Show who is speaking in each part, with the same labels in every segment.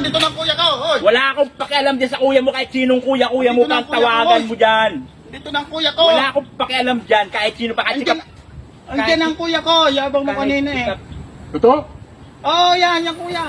Speaker 1: Dito ng kuya ko, hoy.
Speaker 2: Wala akong pakialam dyan sa kuya mo kahit sinong kuya-kuya mo
Speaker 1: Dito ng
Speaker 2: kang
Speaker 1: kuya ko,
Speaker 2: tawagan
Speaker 1: hoy.
Speaker 2: mo dyan.
Speaker 1: Dito ng kuya ko.
Speaker 2: Wala akong pakialam dyan kahit sino pa kahit
Speaker 1: Andiyan, andiyan ang kuya ko. Yabang mo kanina eh.
Speaker 3: Ito?
Speaker 1: Oh, yan, yung kuya.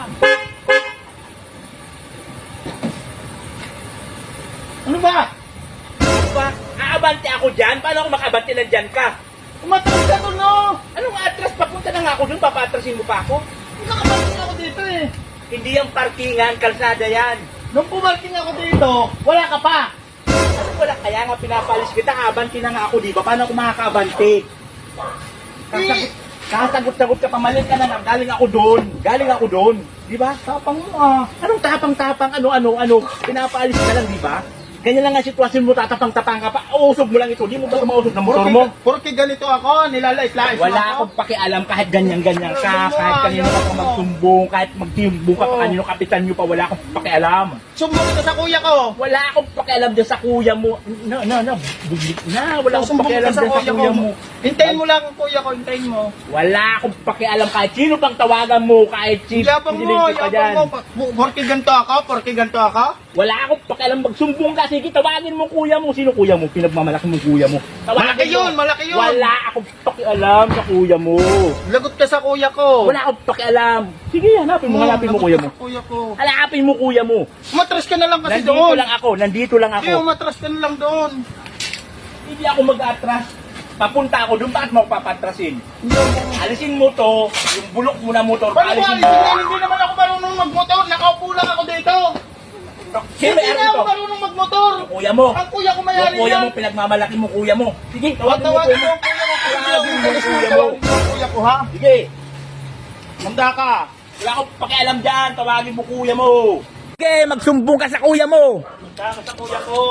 Speaker 1: Ano ba?
Speaker 2: Ba? Aabante ako dyan? Paano ako makabante na dyan ka?
Speaker 1: Umatras ka doon, no?
Speaker 2: Anong atras? Papunta na nga ako dun, papatrasin mo pa ako?
Speaker 1: Nakaparking ako dito eh.
Speaker 2: Hindi yung parkingan, kalsada yan.
Speaker 1: Nung pumarking ako dito, wala ka pa.
Speaker 2: Ano wala? Kaya nga pinapalis kita, abante na nga ako, di ba? Paano ako makakabante? Kasagot-sagot ka, pamalit ka na lang. Galing ako doon. Di ba?
Speaker 1: Tapang mo ah.
Speaker 2: Anong tapang-tapang, ano? Pinapaalis ka lang, di ba? Ganyan lang ang sitwasyon mo, tatapang-tapang ka pa. Uusog mo lang ito. Di mo ba mausog ng motor mo?
Speaker 1: Porque ganito ako, nilalais-lais mo
Speaker 2: Wala
Speaker 1: ako.
Speaker 2: akong pakialam kahit ganyan-ganyan ka, kahit kanino ka pa magsumbong, kahit magtimbong ka pa kanino kapitan nyo pa, wala akong pakialam.
Speaker 1: Sumbong kita sa kuya ko.
Speaker 2: Wala akong pakialam dyan sa kuya mo. Buglit na. Wala akong
Speaker 1: Sumbong
Speaker 2: pakialam
Speaker 1: kita sa
Speaker 2: dyan sa kuya mo.
Speaker 1: Hintayin mo lang ang kuya ko, hintayin mo.
Speaker 2: Wala akong pakialam kahit sino pang tawagan mo, kahit si
Speaker 1: Yabang mo,
Speaker 2: pa dyan.
Speaker 1: Porque ganito ako.
Speaker 2: Wala akong pakialam magsumbong ka. Sige, tawagin mo kuya mo. Sino kuya mo? Pinagmamalaki mo kuya mo.
Speaker 1: Malaki yun, malaki yun.
Speaker 2: Wala akong pakialam sa kuya mo.
Speaker 1: Lagot ka sa kuya ko.
Speaker 2: Wala akong pakialam. Sige, hanapin mo kuya mo.
Speaker 1: Kuya ko.
Speaker 2: Hanapin mo kuya mo.
Speaker 1: Umatras ka na lang kasi
Speaker 2: Nandito
Speaker 1: doon.
Speaker 2: lang ako, nandito lang
Speaker 1: Hindi,
Speaker 2: ako.
Speaker 1: umatras ka na lang doon.
Speaker 2: Hindi ako mag-atras. Papunta ako doon, bakit mo ako papatrasin? Alisin mo to, yung bulok mo na motor,
Speaker 1: Paano ko
Speaker 2: alisin
Speaker 1: alisin
Speaker 2: mo.
Speaker 1: yan? Hindi naman ako marunong magmotor. Nakaupo lang ako dito.
Speaker 2: Sino
Speaker 1: Hindi
Speaker 2: may
Speaker 1: na
Speaker 2: ari
Speaker 1: ako
Speaker 2: to?
Speaker 1: marunong magmotor.
Speaker 2: Yung kuya mo.
Speaker 1: Ang kuya ko
Speaker 2: Yung
Speaker 1: mayari
Speaker 2: kuya
Speaker 1: yan.
Speaker 2: mo, pinagmamalaki mo kuya mo. Sige, tawagin mo
Speaker 1: Tawagin
Speaker 2: kuya
Speaker 1: mo
Speaker 2: mo.
Speaker 1: ang kuya ko.
Speaker 2: Tawagin mo
Speaker 1: Tawagin
Speaker 2: kuya
Speaker 1: mo
Speaker 2: mo.
Speaker 1: ang kuya ko, ha?
Speaker 2: Sige,
Speaker 1: Handa ka.
Speaker 2: wala akong pakialam dyan, tawagin mo kuya mo. Sige, magsumbong ka sa kuya mo.
Speaker 1: Handa ka sa kuya ko.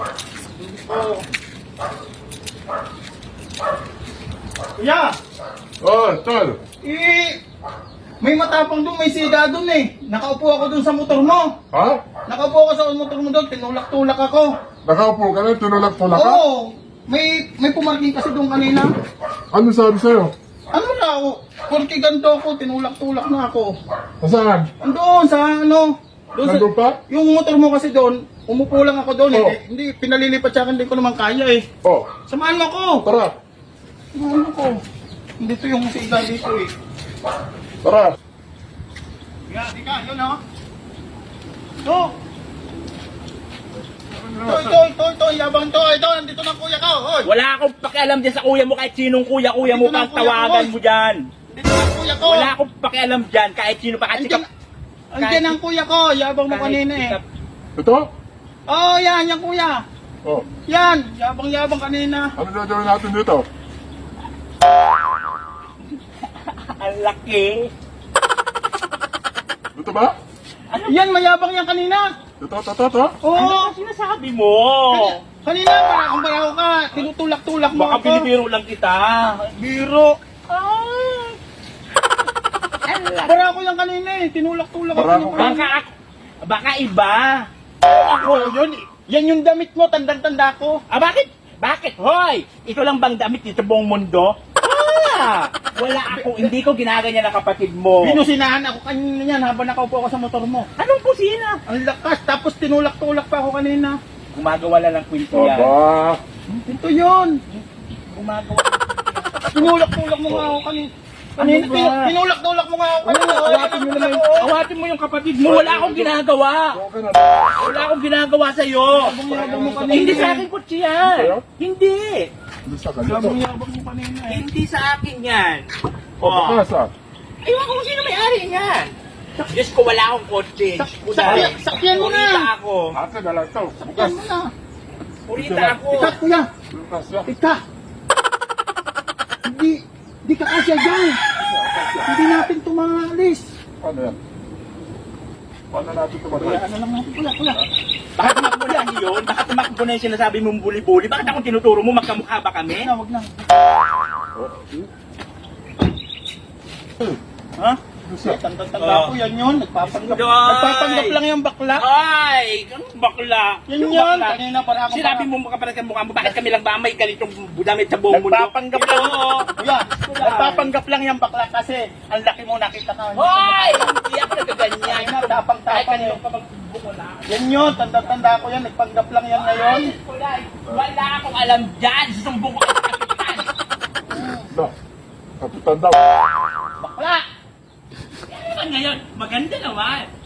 Speaker 1: Kuya,
Speaker 3: Oh, tol.
Speaker 1: may matapang doon, may siga doon eh. Nakaupo ako doon sa motor mo.
Speaker 3: Ha?
Speaker 1: Nakaupo ako sa motor mo doon, tinulak-tulak ako.
Speaker 3: Nakaupo ka na, tinulak-tulak ka?
Speaker 1: Oo, may pumarking kasi doon kanina.
Speaker 3: Ano sabi sa'yo?
Speaker 1: Ano na ako? Porque ganito ako, tinulak-tulak na ako.
Speaker 3: Saan?
Speaker 1: Andoon sa ano? Doon sa,
Speaker 3: Nandun pa?
Speaker 1: yung motor mo kasi doon, umupo lang ako doon.
Speaker 3: Oh.
Speaker 1: Hindi, pinalilipat sa akin, hindi ko naman kaya eh.
Speaker 3: Oh,
Speaker 1: Samahan mo ako.
Speaker 3: tara.
Speaker 1: Samahan mo ako. Dito yung siga dito eh.
Speaker 3: Tara.
Speaker 1: Di ka, yun ha. Ito, yabang to. Ito, nandito ng kuya ko. Hoy.
Speaker 2: Wala akong pakialam dyan sa kuya mo kahit sinong kuya-kuya mo
Speaker 1: Dito na
Speaker 2: pang
Speaker 1: kuya ko,
Speaker 2: tawagan
Speaker 1: hoy.
Speaker 2: mo dyan.
Speaker 1: Dito ng kuya ko.
Speaker 2: Wala akong pakialam dyan kahit sino pa kahit
Speaker 1: Andiyan ang kuya ko. Yabang mo kanina eh.
Speaker 3: Ito?
Speaker 1: Oh, yan, yung kuya.
Speaker 3: Oh,
Speaker 1: Yan, yabang-yabang kanina.
Speaker 3: ano gagawin natin dito?
Speaker 2: Ang laki.
Speaker 3: Dito ba?
Speaker 1: Yan, mayabang yan kanina.
Speaker 3: Ito.
Speaker 1: Oo.
Speaker 2: Ano ang sinasabi mo?
Speaker 1: Kanina, parang baraw ka. Tinutulak-tulak mo
Speaker 2: Baka
Speaker 1: ako.
Speaker 2: binibiro lang kita.
Speaker 1: Biro.
Speaker 2: Ay. Ang laki.
Speaker 1: Bara ko yan kanina eh. Tinulak-tulak ako.
Speaker 3: Barako
Speaker 1: yung
Speaker 3: ka?
Speaker 1: kanina.
Speaker 2: Baka iba.
Speaker 1: Ako, yun. Yan yung damit mo. Tandang-tanda ko.
Speaker 2: Bakit? Bakit? Hoy! Ito lang bang damit dito buong mundo? Wala ako. Hindi ko ginaganyan ang kapatid mo.
Speaker 1: Binusinahan ako kanina yan habang nakaupo ako sa motor mo.
Speaker 2: Anong kusina?
Speaker 1: Ang lakas. Tapos tinulak-tulak pa ako kanina.
Speaker 2: Gumagawa lang ng kwento yan.
Speaker 3: Aba.
Speaker 1: Ito yun.
Speaker 2: Gumagawa.
Speaker 1: Tinulak-tulak mo nga ako kanina. Kanina,
Speaker 2: Ano ba?
Speaker 1: tinulak-tulak mo nga ako kanina.
Speaker 2: Awatin mo yung kapatid mo. Wala akong ginagawa.
Speaker 3: Okay na.
Speaker 2: Wala akong ginagawa sa'yo.
Speaker 1: Yabang mo kanina.
Speaker 2: Hindi sa akin kutsi yan.
Speaker 3: Sa'yo?
Speaker 2: Hindi.
Speaker 3: Hindi sa kanito.
Speaker 1: Yabang mo kanina eh.
Speaker 2: Hindi sa akin yan.
Speaker 3: Oh, baka sa.
Speaker 2: Ewan ko kung sino may-ari niyan. Diyos ko, wala akong kotse.
Speaker 1: Sakyan mo na.
Speaker 2: Purita ako.
Speaker 3: Ate na lang ito.
Speaker 1: Sakyan mo na.
Speaker 2: Purita ako.
Speaker 1: Ikat, kuya.
Speaker 3: Bukas ya.
Speaker 1: Ika! Hindi ka kasya dyan. Hindi natin ito maalis.
Speaker 3: Paano yan? Paano natin tumatay?
Speaker 1: Ano lang natin, kuya.
Speaker 2: Baka tumakbo na yun. Baka tumakbo na yung sinasabi mong buli-buli. Bakit akong tinuturo mo? Magkamukha ba kami?
Speaker 1: Wag na.
Speaker 2: Ha?
Speaker 3: siya.
Speaker 1: Tanda ko yan yun. Nagpapanggap lang yung bakla.
Speaker 2: Ay, kang bakla.
Speaker 1: Yan
Speaker 2: Yung
Speaker 1: yun.
Speaker 2: bakla.
Speaker 1: Kanina para ako
Speaker 2: Sinabi mo makapalag ang mukha mo, bakit kami lang ba may ganitong damit sa buong mundo?
Speaker 1: Nagpapanggap lang.
Speaker 2: Oo.
Speaker 1: Kuya, nagpapanggap lang yung bakla kasi ang laki mo nakita ka.
Speaker 2: Hoy! Hindi ako nagaganyan.
Speaker 1: Ay, na, tapang-tapang
Speaker 2: Kahit kanino
Speaker 1: eh.
Speaker 2: pa magbukula.
Speaker 1: Yan yun. Tanda ko yan. Nagpanggap lang yan ngayon.
Speaker 2: Wala akong alam dyan. Susumbong ko sa kapitan.
Speaker 3: Na, kapitan daw.
Speaker 2: Bakla! Ano ngayon? Maganda naman.